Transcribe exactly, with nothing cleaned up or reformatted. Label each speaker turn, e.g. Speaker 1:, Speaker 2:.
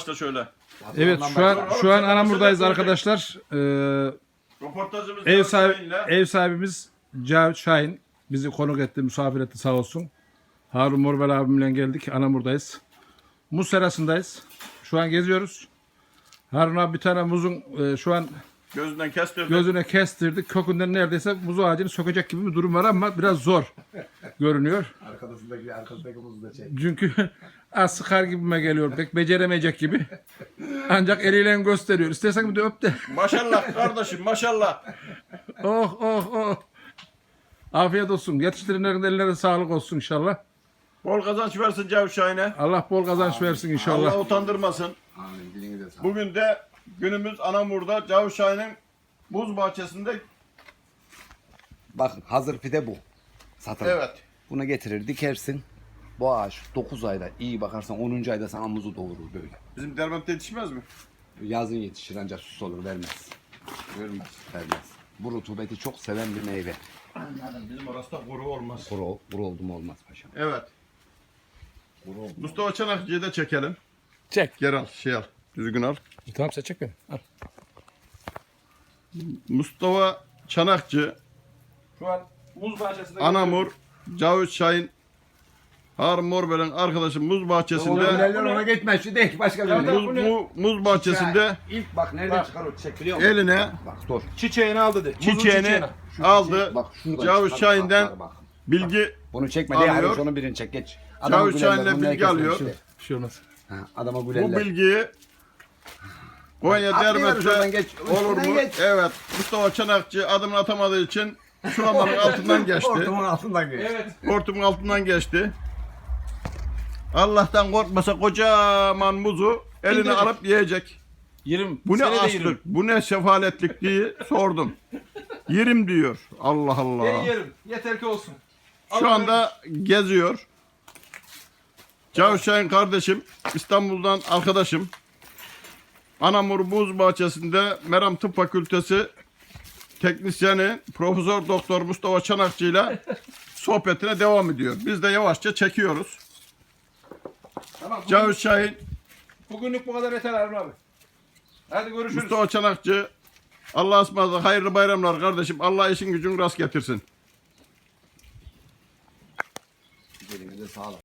Speaker 1: başla şöyle.
Speaker 2: Evet şu an şu an Anamur'dayız arkadaşlar. Ee,
Speaker 1: Röportajımız
Speaker 2: ev
Speaker 1: Cavit
Speaker 2: sahibi
Speaker 1: Şahin'le.
Speaker 2: ev sahibimiz Cavit Şahin bizi konuk etti, misafir etti sağ olsun. Harun Morbel abimle geldik. Anamur'dayız. Muz serasındayız. Şu an geziyoruz. Harun abi bir tane muzun e, şu an
Speaker 1: Gözünden kestirdi.
Speaker 2: gözüne kestirdik. Kökünden neredeyse muz ağacını sökecek gibi bir durum var ama biraz zor görünüyor.
Speaker 3: Arkasındaki arkasındaki muzu da çek.
Speaker 2: Çünkü az sıkar gibime geliyor. Pek beceremeyecek gibi. Ancak eliyle gösteriyor. İstersen bir de öp de.
Speaker 1: Maşallah kardeşim maşallah.
Speaker 2: Oh oh oh. Afiyet olsun. Yetiştirenlerin ellerine sağlık olsun inşallah.
Speaker 1: Bol kazanç versin Cavit Şahin'e.
Speaker 2: Allah bol kazanç versin inşallah.
Speaker 1: Allah utandırmasın.
Speaker 3: Amin. Dilini de sağ.
Speaker 1: Bugün de günümüz Anamur'da Cavit Şahin'in buz bahçesinde.
Speaker 3: Bakın hazır pide bu. Satılır.
Speaker 1: Evet.
Speaker 3: Bunu getirir dikersin. Bu ağaç dokuz ayda iyi bakarsan onuncu ayda sana muzu doğurur böyle.
Speaker 1: Bizim Derbent'te yetişmez mi?
Speaker 3: Yazın yetişir ancak sus olur vermez.
Speaker 1: Vermez.
Speaker 3: Vermez. Bu rutubeti çok seven bir meyve.
Speaker 1: Anladım. Bizim orası da kuru olmaz.
Speaker 3: Kuru, kuru oldu mu olmaz paşam.
Speaker 1: Evet.
Speaker 3: Kuru oldu.
Speaker 1: Mustafa Çanakçı'yı da çekelim.
Speaker 2: Çek.
Speaker 1: Gel al, şey al. Düzgün al.
Speaker 2: Tamam sen çek beni. Al.
Speaker 1: Mustafa Çanakçı,
Speaker 2: Şu an muz bahçesinde
Speaker 1: Anamur, Cavit Şahin, Harun Morbel'in arkadaşı muz bahçesinde,
Speaker 3: ona gitmez şu değil başka
Speaker 2: Ya
Speaker 3: bir
Speaker 2: da-
Speaker 1: muz, mu- muz bahçesinde
Speaker 3: İlk bak nereden
Speaker 2: Bak.
Speaker 3: çıkar o çiçek biliyor musun?
Speaker 1: eline
Speaker 3: Bak dur.
Speaker 2: çiçeğini al dedi. Muzun
Speaker 1: çiçeğini aldı.
Speaker 3: Bak şuradan
Speaker 1: Cavit
Speaker 3: çıkar,
Speaker 1: Şahin'den
Speaker 3: bak, bak.
Speaker 1: bilgi,
Speaker 3: Bunu çekme diye
Speaker 1: alıyor.
Speaker 3: hayır onu birini çek geç.
Speaker 1: Cavit
Speaker 3: gülerler,
Speaker 1: Şahin'le
Speaker 3: bunu
Speaker 1: bilgi
Speaker 3: herkes
Speaker 1: alıyor.
Speaker 3: bilir.
Speaker 2: Bir şey olmaz.
Speaker 3: Ha, adama
Speaker 1: bu
Speaker 3: gülerler.
Speaker 1: bilgiyi Konya
Speaker 3: Atlıyoruz oradan,
Speaker 1: Dermet'te
Speaker 3: geç.
Speaker 1: olur
Speaker 3: Üstünden
Speaker 1: mu?
Speaker 3: geç.
Speaker 1: Evet. Mustafa Çanakçı adımını atamadığı için şuraların altından geçti.
Speaker 3: Hortumun altından geç.
Speaker 2: Evet.
Speaker 1: Hortumun altından geçti. Allah'tan korkmasa kocaman muzu eline
Speaker 2: İndirecek.
Speaker 1: alıp yiyecek.
Speaker 2: Yerim.
Speaker 1: Bu ne
Speaker 2: seni de yerim.
Speaker 1: açlık, bu ne sefaletlik diye sordum. Yerim diyor. Allah Allah.
Speaker 2: Seni yerim. Yeter ki olsun.
Speaker 1: Şu anda geziyor. Cavit Şahin kardeşim, İstanbul'dan arkadaşım. Anamur Buz Bahçesi'nde Meram Tıp Fakültesi teknisyeni Profesör Doktor Mustafa Çanakçı ile sohbetine devam ediyor. Biz de yavaşça çekiyoruz.
Speaker 2: Tamam. Bugün,
Speaker 1: Cavit Şahin,
Speaker 2: bugünlük bu kadar yeter Harun abi. Hadi görüşürüz.
Speaker 1: Mustafa Çanakçı, Allah'a ısmarladık, hayırlı bayramlar kardeşim. Allah işin gücün rast getirsin.
Speaker 3: Dilini de sağ ol.